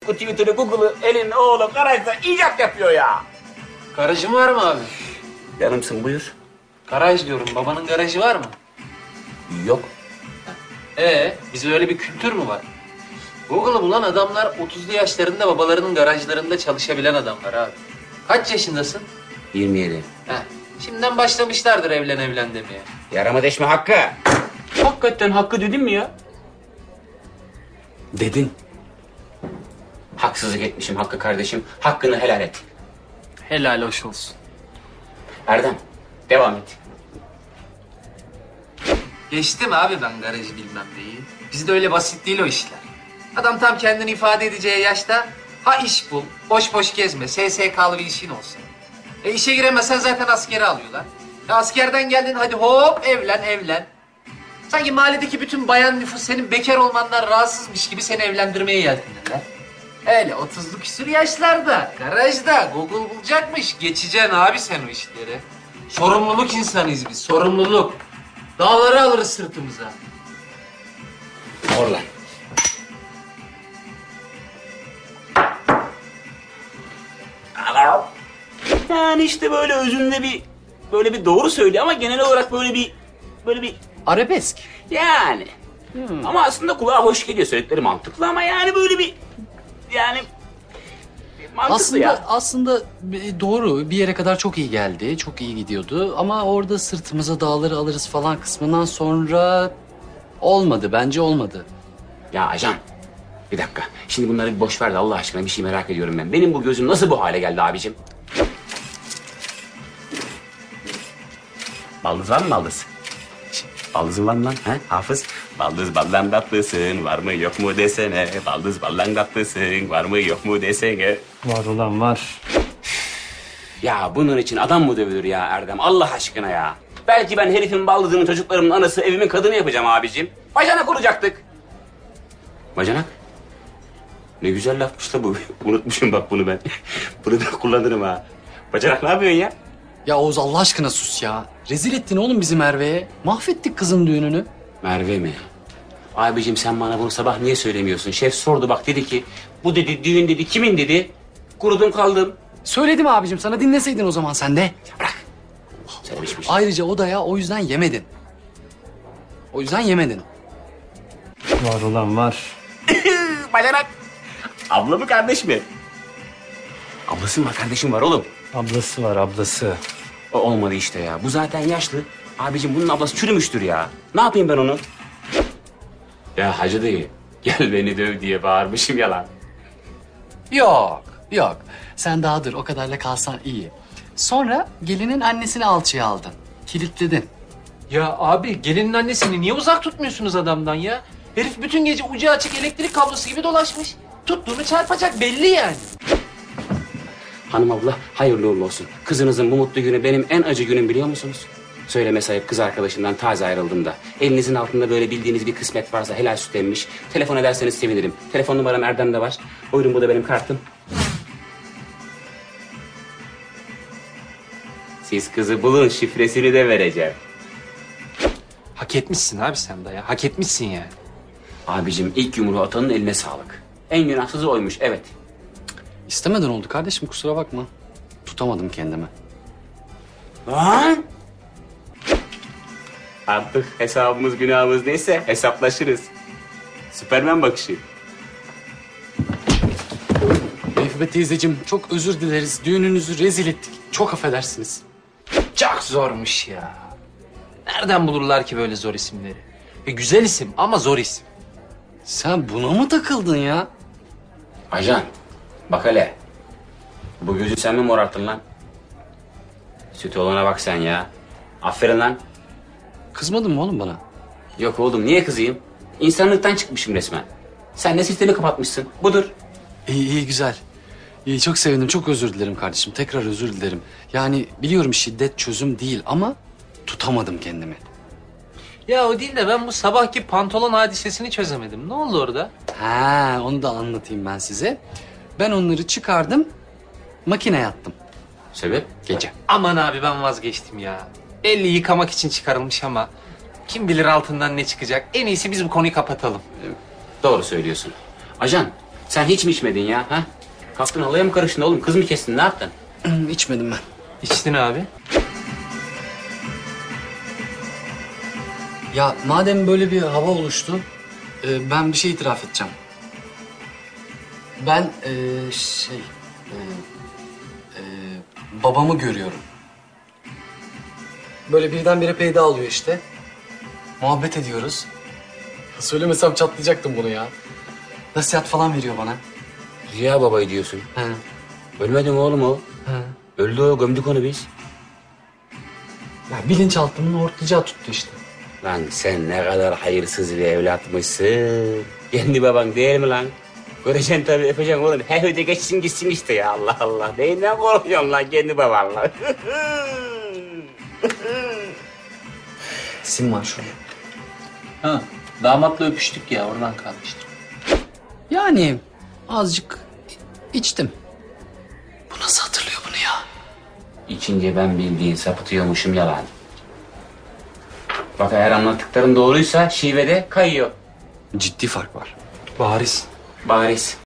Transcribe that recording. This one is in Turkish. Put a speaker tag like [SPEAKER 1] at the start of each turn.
[SPEAKER 1] Facebook'u, Twitter'ı, Google'ı elin oğlu garajda icat yapıyor ya.
[SPEAKER 2] Garajın var mı abi?
[SPEAKER 1] Yanımsın buyur.
[SPEAKER 2] Garaj diyorum. Babanın garajı var mı?
[SPEAKER 1] Yok.
[SPEAKER 2] Bizde öyle bir kültür mü var? Google'ı bulan adamlar 30'lu yaşlarında babalarının garajlarında çalışabilen adamlar abi. Kaç yaşındasın?
[SPEAKER 1] 27.
[SPEAKER 2] Şimdiden başlamışlardır evlen demeye.
[SPEAKER 1] Yarama deşme Hakkı.
[SPEAKER 2] Hakikaten Hakkı dedim mi ya?
[SPEAKER 1] Dedin. Haksızlık etmişim Hakkı kardeşim. Hakkını helal et.
[SPEAKER 2] Helal hoş olsun.
[SPEAKER 1] Erdem, devam et.
[SPEAKER 2] Geçtim abi ben garajı bilmem neyi. Bizde öyle basit değil o işler. Adam tam kendini ifade edeceği yaşta ha iş bul, boş boş gezme, SSK'lı bir işin olsun. İşe giremezsen zaten askere alıyorlar. Askerden geldin hadi hop evlen. Sanki mahalledeki bütün bayan nüfus senin bekar olmandan rahatsızmış gibi seni evlendirmeye yeltenirler. Öyle 30'lu küsur yaşlarda, garajda Google bulacakmış. Geçeceksin abi sen o işleri. Sorumluluk insanıyız biz, sorumluluk. Dağları alırız sırtımıza.
[SPEAKER 1] Orlan. Yani işte böyle özünde böyle bir doğru söylüyor ama genel olarak böyle bir
[SPEAKER 2] Arabesk.
[SPEAKER 1] yani. Ama aslında kulağa hoş geliyor, söyledikleri mantıklı ama yani böyle bir mantıklı ya.
[SPEAKER 3] Aslında doğru. Bir yere kadar çok iyi geldi. Çok iyi gidiyordu. Ama orada sırtımıza dağları alırız falan kısmından sonra olmadı. Bence olmadı.
[SPEAKER 1] Ya ajan, bir dakika. Şimdi bunları bir boş ver de Allah aşkına bir şey merak ediyorum ben. Benim bu gözüm nasıl bu hale geldi abicim? Baldız var mı baldız? Baldızın var mı lan? He? Hafız? Baldız baldan tatlısın, var mı yok mu desene. Baldız baldan tatlısın, var mı yok mu desene.
[SPEAKER 3] Var olan var.
[SPEAKER 1] Ya bunun için adam mı dövülür ya Erdem? Allah aşkına ya. Belki ben herifin baldızının çocuklarımın anası, evimin kadını yapacağım abicim. Bacanak olacaktık. Bacanak? Ne güzel lafmış da bu. Unutmuşum bak bunu ben. Bunu da kullanırım ha. Bacanak ne yapıyorsun ya?
[SPEAKER 3] Ya Oğuz Allah aşkına sus ya. Rezil ettin oğlum bizi Merve'ye. Mahvettik kızın düğününü.
[SPEAKER 1] Merve mi? Abicim sen bana bunu sabah niye söylemiyorsun? Şef sordu bak, dedi ki bu dedi düğün dedi kimin dedi. Kurudum kaldım.
[SPEAKER 3] Söyledim abicim sana, dinleseydin o zaman sen de.
[SPEAKER 1] Ya bırak. Söylemişmiş.
[SPEAKER 3] Ayrıca o da ya o yüzden yemedin. O yüzden yemedin.
[SPEAKER 4] Var olan var.
[SPEAKER 1] Bacanak. Abla mı kardeş mi? Ablası mı var, kardeşim var oğlum.
[SPEAKER 4] Ablası var ablası.
[SPEAKER 1] O olmadı işte ya. Bu zaten yaşlı. Abicim bunun ablası çürümüştür ya. Ne yapayım ben onu? Ya hacı dayı, gel beni döv diye bağırmışım yalan.
[SPEAKER 3] Yok. Sen daha dur, o kadarla kalsan iyi. Sonra gelinin annesini alçıya aldın. Kilitledin.
[SPEAKER 2] Ya abi gelinin annesini niye uzak tutmuyorsunuz adamdan ya? Herif bütün gece ucu açık elektrik kablosu gibi dolaşmış. Tuttuğunu çarpacak belli yani.
[SPEAKER 1] Hanım abla hayırlı uğurlu olsun. Kızınızın bu mutlu günü benim en acı günüm biliyor musunuz? Söyleme sayıp kız arkadaşından taze ayrıldım da. Elinizin altında böyle bildiğiniz bir kısmet varsa helal süt emmiş. Telefon ederseniz sevinirim. Telefon numaram Erdem'de var. Buyurun bu da benim kartım. Siz kızı bulun, şifresini de vereceğim.
[SPEAKER 2] Hak etmişsin abi sen de ya. Hak etmişsin yani.
[SPEAKER 1] Abicim ilk yumruğu atanın eline sağlık. En günahsızı oymuş, evet.
[SPEAKER 3] İstemeden oldu kardeşim, kusura bakma. Tutamadım kendimi.
[SPEAKER 1] Lan! Artık hesabımız günahımız neyse hesaplaşırız. Süpermen bakışı.
[SPEAKER 3] Mehmet teyzeciğim çok özür dileriz. Düğününüzü rezil ettik. Çok affedersiniz.
[SPEAKER 2] Çok zormuş ya. Nereden bulurlar ki böyle zor isimleri? Güzel isim ama zor isim.
[SPEAKER 3] Sen buna mı takıldın ya?
[SPEAKER 1] Ajan, bak hele. Bu gözü sen mi morarttın lan? Süt olana bak sen ya. Aferin lan.
[SPEAKER 3] Kızmadın mı oğlum bana?
[SPEAKER 1] Yok oğlum, niye kızayım? İnsanlıktan çıkmışım resmen. Sen de sistemi kapatmışsın. Budur.
[SPEAKER 3] İyi güzel. İyi, çok sevindim. Çok özür dilerim kardeşim. Tekrar özür dilerim. Yani biliyorum şiddet çözüm değil ama tutamadım kendimi.
[SPEAKER 2] Ya o değil de ben bu sabahki pantolon hadisesini çözemedim. Ne oldu orada?
[SPEAKER 3] Ha, onu da anlatayım ben size. Ben onları çıkardım, makineye attım
[SPEAKER 1] Sebep?
[SPEAKER 3] gece.
[SPEAKER 2] Aman abi ben vazgeçtim ya. Belli yıkamak için çıkarılmış ama kim bilir altından ne çıkacak. En iyisi biz bu konuyu kapatalım.
[SPEAKER 1] Doğru söylüyorsun. Ajan, Sen hiç mi içmedin ya? Ha? Kalktın halaya mı karıştın oğlum? Kız mı kestin? Ne yaptın?
[SPEAKER 3] İçmedim ben.
[SPEAKER 2] İçtin abi.
[SPEAKER 3] Ya madem böyle bir hava oluştu, ben bir şey itiraf edeceğim. Ben babamı görüyorum. Böyle birdenbire peyda alıyor işte. Muhabbet ediyoruz. Söylemesem çatlayacaktım bunu ya. Nasihat falan veriyor bana.
[SPEAKER 1] Ziya babayı diyorsun.
[SPEAKER 3] He.
[SPEAKER 1] Ölmedi mi oğlum o?
[SPEAKER 3] He.
[SPEAKER 1] Öldü o, gömdük onu biz.
[SPEAKER 3] Ya bilinçaltımın ortacağı tuttu işte.
[SPEAKER 1] Lan sen ne kadar hayırsız bir evlatmışsın. Kendi baban değil mi lan? Göreceksin tabii, öpeceksin oğlum. Her öde geçsin gitsin işte ya, Allah Allah. Neyinden korkuyorsun lan kendi babanla?
[SPEAKER 3] Sim var şurada.
[SPEAKER 2] Ha, damatla öpüştük ya oradan kalmıştım.
[SPEAKER 3] Yani azıcık içtim. Bu nasıl hatırlıyor bunu ya?
[SPEAKER 1] İçince ben bildiğin sapıtıyormuşum yalan. Bak eğer anlattıklarım doğruysa şivede kayıyor.
[SPEAKER 3] Ciddi fark var.
[SPEAKER 2] Bariz.
[SPEAKER 1] Bariz.